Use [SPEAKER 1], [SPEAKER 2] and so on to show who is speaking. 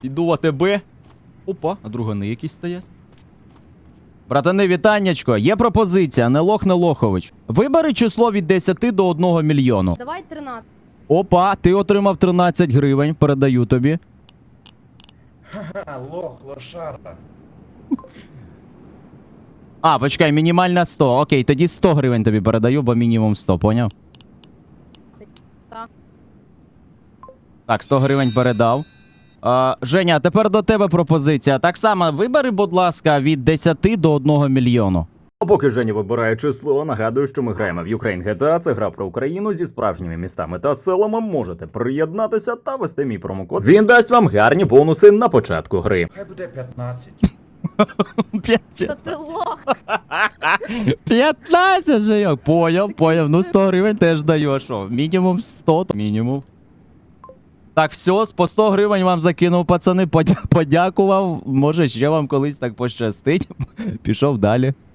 [SPEAKER 1] Іду в АТБ. Опа, а другани якісь стоять. Братани, вітаннячко. Є пропозиція, не лох, не лохович. Вибери число від 10 до 1 мільйону.
[SPEAKER 2] Давай 13.
[SPEAKER 1] Опа, ти отримав 13 гривень, передаю тобі.
[SPEAKER 3] Ха-ха, лох, лошара.
[SPEAKER 1] А, почекай, мінімальна 100. Окей, тоді 100 гривень тобі передаю, бо мінімум 100, поняв?
[SPEAKER 2] Так.
[SPEAKER 1] Так, 100 гривень передав. Женя, а тепер до тебе пропозиція. Так само, вибери, будь ласка, від 10 до 1 мільйону. А поки Женя вибирає число, нагадую, що ми граємо в Ukraine GTA. Це гра про Україну зі справжніми містами та селами. Можете приєднатися та ввести мій промокод. Він дасть вам гарні бонуси на початку гри.
[SPEAKER 3] Хай буде 15.
[SPEAKER 2] Та ти лох.
[SPEAKER 1] 15 же як. Поняв. Ну 100 гривень теж даю. А що? Мінімум 100, то мінімум. Так, все, по 100 гривень вам закинув, пацани, подякував. Може, ще вам колись так пощастить. Пішов далі.